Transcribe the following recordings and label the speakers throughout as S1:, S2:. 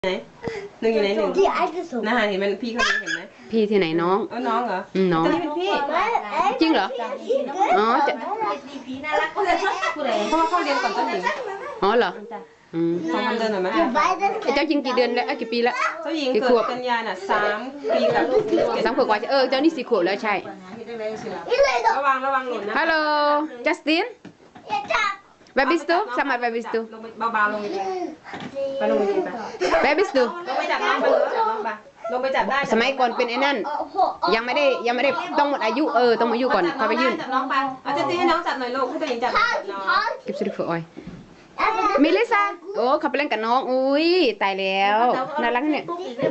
S1: ไหนหนึ่งอยู่ไหนหนึ่งน่าเห็นมันพี่เขาเห็นไหม
S2: พี่ที่ไหนน้อง
S1: น้องเหรอ
S2: น้อง
S1: ตอนนี้เป็นพี่
S2: จริงเหรออ๋อจะ
S1: เพราะว่าเข้าเรียนก่อนต้นหญิง
S2: อ๋อเหรอ
S1: ฟังคำเดินหน่อยไหม
S2: เจ้าจริงกี่เดือนแล้วกี่ปีแล้ว
S1: เจ้าหญิงเกิดกันยาน่ะ3 ปีกับ
S2: 3 ขวบกว่าเจ้านี่4 ขวบแล้วใช่
S1: ระวังหล่นนะ
S2: ฮัลโหลจัสตินWhere bist du? Sag mal, wer bist du?
S1: เบาๆลงไปลงไป
S2: Wer bist du?
S1: ลงไปจับน้องไปลงไปจับได้
S2: สมัยก่อนเป็นไอ้นั่นยังไม่ได้ต้องหมดอายุต้องอายุก่อนค่อยไปยื่น
S1: จับน้องไปเอาจะตีให้น้องจับหน่อยลูกให้ตัวเองจับน้อง
S2: เก็บสุดฝอยมิลิซาโอ้เขาไปเล่นกับน้องอุ้ยตายแล้วน่ารักเนี่ย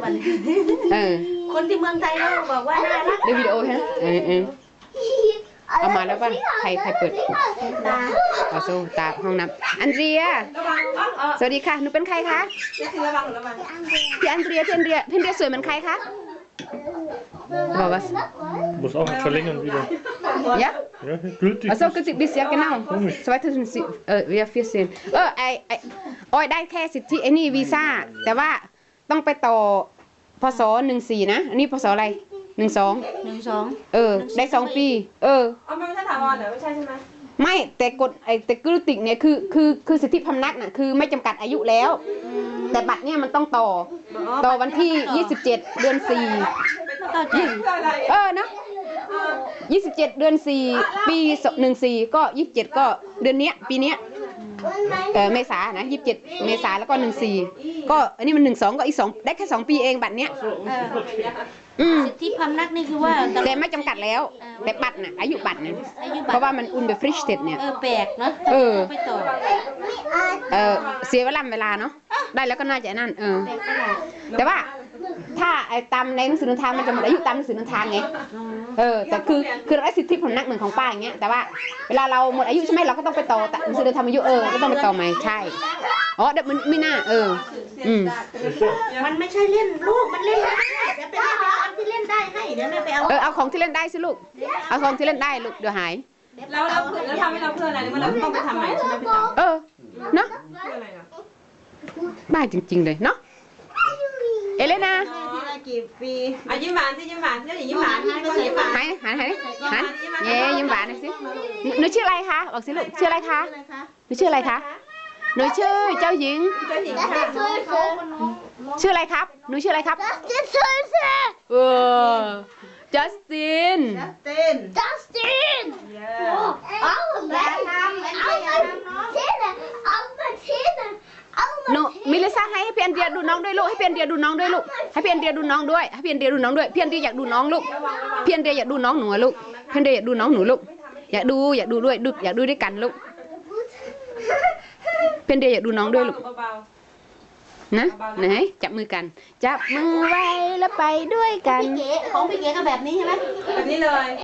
S3: คนที่เมืองไทยเขาบอกว่าน่ารัก
S2: ดูวิดีโอฮะเอามาแล้วป่ะใครเปิดเอาโซ่ตาห้องน้ำอันเดรียสวัสดีค่ะหนูเป็นใครคะพี่อันเดรียสวยเหมือนใครคะบอกว่า
S4: Muss auch noch verlängern wieder.
S2: Ja?
S4: Ja, gültig.
S2: Also gültig bis ja genau. 2014 wir โอ้ยได้แค่สิทธิไอ้นี่วีซ่าแต่ว่าต้องไปต่อพศ14นะอันนี้พศอะไร12ได้2 ปี
S1: ไม่ใช่ถาวรเหรอไม่ใช่ใช่ไหม
S2: ไม่แต่กฎแต่กฤติกเนี่ยคือสิทธิพำนักน่ะคือไม่จำกัดอายุแล้วแต่บัตรเนี่ยมันต้องต่อวันที่27เดือน4เนาะ27เดือน4ปี14ก็27ก็เดือนเนี้ยปีเนี้ยเมษานะ27เมษาแล้วก็14ก็อันนี้มัน12ก็อีก2ได้แค่2 ปีเองบัตรเนี้ย
S3: สิทธิพำนักนี่คือว่า
S2: แต่ไม่จำกัดแล้วแต่บัตรน่ะอายุบัตรเนี่ยเพราะว่ามันอุนเบฟริชเต็ดเนี่ย
S3: แปลกเนาะไปต่อ
S2: เสียเวลาเนาะได้แล้วก็น่าจะนั่นแต่ว่าถ้าตามในหนังสือเดินทางมันจะหมดอายุตามหนังสือเดินทางไงแต่คือเราได้สิทธิพำนักเหมือนของป้าอย่างเงี้ยแต่ว่าเวลาเราหมดอายุใช่ไหมเราก็ต้องไปต่อหนังสือเดินทางอายุก็ต้องไปต่อใหม่ใช่อ๋อเดี๋ยวมันไม่น่า
S3: มันไม่ใช่เล่นลูกมันเล่นได้เดี๋ยวไปเอาอันที่เล่นได้ให้เดี๋ยวแม่ไปเอา
S2: เอาของที่เล่นได้สิลูกเอาของที่เล่นได้ลูกเดี๋ยวหาย
S1: แล้วทำให้เราเพื่ออะไรหรือว่าเราต้องไปทำใหม่ใช่ไหมพี่ต๋อ
S2: เนาะบ้าจริงๆเลยเนาะเอเลนา
S1: กี่ปียิ้มหวานสิยิ้มหวานเจ้าหญิงยิ้มหวาน
S2: หันเย้ยิ้มหวานหน่อยสิหนูชื่ออะไรคะบอกสิลูกชื่ออะไรคะหนูชื่ออะไรคะหนูชื่อเจ้าหญิงชื่ออะไรครับหนูชื่ออะไรครับจัสตินหนูมิลิซ่าให้เพียนเดียดูน้องด้วยลูกให้เพียนเดียดูน้องด้วยลูกให้เพียนเดียดูน้องด้วยให้เพียนเดียดูน้องด้วยเพียนเดียอยากดูน้องลูกเพียนเดียอยากดูน้องหนูลูกเพียนเดียอยากดูน้องหนูลูกอยากดูด้วยอยากดูด้วยกันลูกเพียนเดียอยากดูน้องด้วยลูกนะไหนจับมือกันจับมือไว้แล้วไปด้วยกัน
S3: ของพี่เก๋ก็แบบนี้ใช่ไหม
S1: แบบนี้เลย